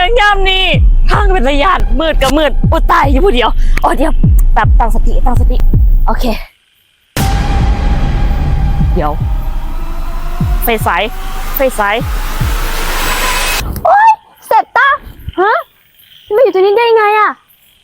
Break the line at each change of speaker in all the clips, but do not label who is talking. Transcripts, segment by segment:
ยังย่ำนี่ทางเป็นระยะมืดกับมืดอุยตายอยู่ผู้เดียวอ๋อเดี๋ยวแบบตั้งสติโอเคเดี๋ยวไฟสายโอ๊ยเสร็จตาฮะมาอยู่ตรงนี้ได้ไงอะ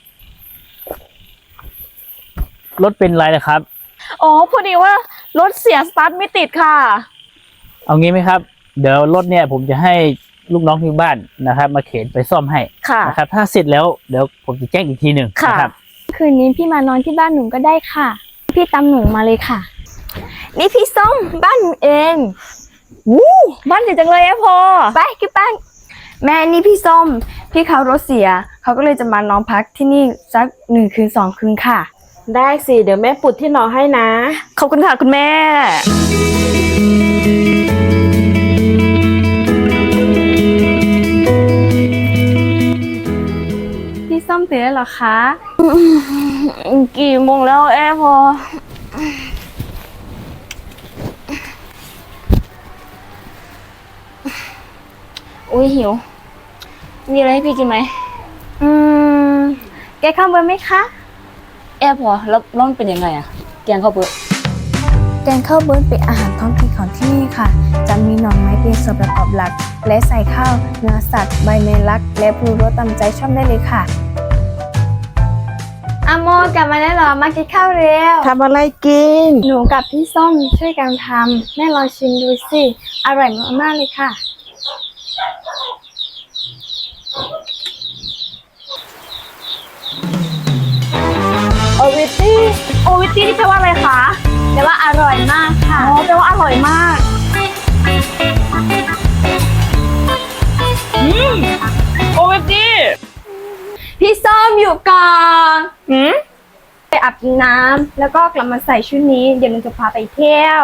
รถเป็นไรนะครับ
อ๋อพอดีว่ารถเสียสตาร์ทไม่ติดค่ะ
เอางี้ไหมครับเดี๋ยวรถเนี่ยผมจะให้ลูกน้องที่บ้านนะครับมาเข็นไปซ่อมให้นะครับถ้าเสร็จแล้วเดี๋ยวผมจะแจ้งอีกทีหนึ่งนะครับ
คืนนี้พี่มานอนที่บ้านหนูก็ได้ค่ะพี่ตามหนูมาเลยค่ะนี่พี่ส้มบ้านหนูเอง
บ้านใหญ่จังเลยพอ
ไปกิ๊บบ้านแม่นี่พี่ส้มพี่เขารถเสียเขาก็เลยจะมานอนพักที่นี่สัก1 คืน 2 คืนค่ะ
ได้สิเดี๋ยวแม่ปุดที่นอนให้นะ
ขอบคุณค่ะคุณแม่
พี่ส้มตื่นแล้วเหรอคะ
กี่โมงแล้วพออุ้ยหิวมีอะไรให้พี่กินไหม
แกข้าวเบอร์ไหมคะ
พอแล้วมันเป็นยังไงอะแกงข้าวเบอร์
แกงข้าวเบอร์เป็นอาหารท้องถิ่นของที่นี่ค่ะจะมีหน่อไม้เป็นส่วนประกอบหลักและใส่ข้าวเนื้อสัตว์ใบเมลักและปรุงรสตามใจชอบได้เลยค่ะอโมกลับมาได้หรอมากินข้าวเร็ว
ทำอะไรกิน
หนูกับพี่ส้มช่วยกันทำแม่ลองชิมดูสิอร่อยมากๆเลยค่ะ
โอวิตี้นี่แปลว่าอะไรคะ
แปลว่าอร่อยมากค่ะ
อ๋อแปลว่าอร่อยมากโอวิตี้
พี่ส้มอยู่ก่อนไปอาบน้ำแล้วก็กลับมาใส่ชุดนี้เดี๋ยวหนูจะพาไปเที่ยว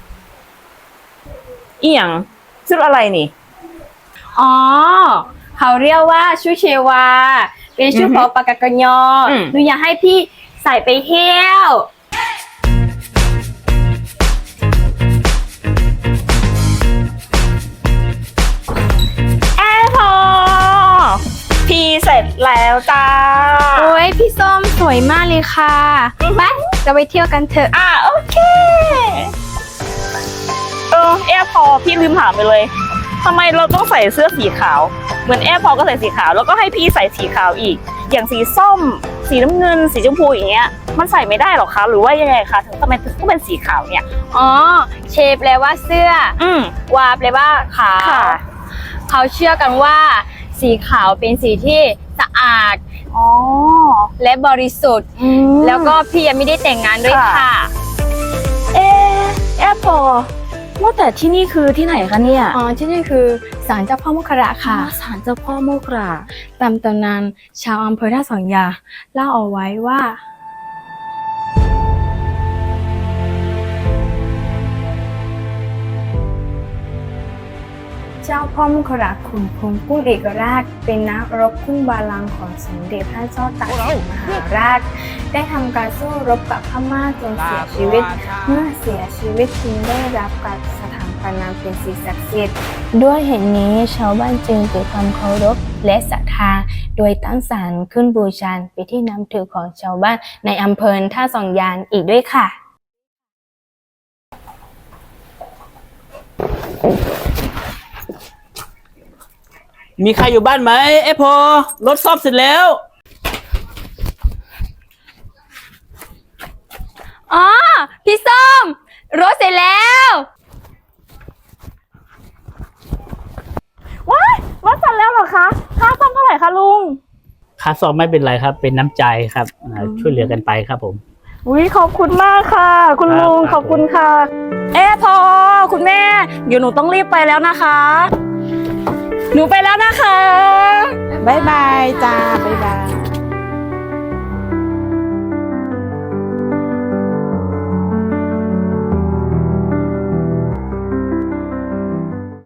อีหยังชุดอะไรนี่
อ๋อเขาเรียกว่าชุดเชวาเป็นชุดของปากกากยอหนูอยากให้พี่ใส่ไปเที่ยว
พอพี่เสร็จแล้วจ้า
โอ้ยพี่ส้มสวยมากเลยค่ะไปจะไปเที่ยวกันเถอะ
โอเคพอพี่ลืมถามไปเลยทำไมเราต้องใส่เสื้อสีขาวเหมือนพอก็ใส่สีขาวแล้วก็ให้พี่ใส่สีขาวอีกอย่างสีส้มสีน้ำเงินสีชมพูอย่างเงี้ยมันใส่ไม่ได้หรอคะหรือว่ายังไงคะถึงทำไมต้องเป็นสีขาวเนี่ย
อ๋อเชฟแปลว่าเสื้อวาแปลว่าขาวเขาเชื่อกันว่าสีขาวเป็นสีที่สะอาดและบริสุทธิ์แล้วก็พี่ยังไม่ได้แต่งงานด้วยค่ะ
พอว่าแต่ที่นี่คือที่ไหนคะเนี่ย
ที่นี่คือศาลเจ้าพ่อโมคราค่ะ
ศาลเจ้าพ่อโมครา
ตามตำนานชาวอำเภอท่าสองยาเล่าเอาไว้ว่าเจ้าพ่อมุขราชขุนพลกุ้งเอกราชเป็นนักรบคุ้งบาลังของสมเด็จพระเจ้าตากสินมหาราชได้ทำการสู้รบกับพม่าจนเสียชีวิตเมื่อเสียชีวิตจึงได้รับการสถาปนาเป็นสิ่งศักดิ์สิทธิ์ด้วยเหตุนี้ชาวบ้านจึงเกิดความเคารพและศรัทธาโดยตั้งศาลขึ้นบูชาเป็นที่นับถือของชาวบ้านในอำเภอท่าสองยานอีกด้วยค่ะ
มีใครอยู่บ้านไหมพอรถซ่อมเสร็จแล้ว
พี่ส้มรถเสร็จแล้ว
ว้ายรถเสร็จแล้วเหรอคะค่าซ่อมเท่าไหร่คะลุง
ค่าซ่อมไม่เป็นไรครับเป็นน้ำใจครับช่วยเหลือกันไปครับผม
ขอบคุณมากค่ะคุณลุงขอบคุณค่ะพอคุณแม่เดี๋ยวหนูต้องรีบไปแล้วนะคะหนูไปแล้วนะคะ
บ๊ายบายจ้าบ๊ายบาย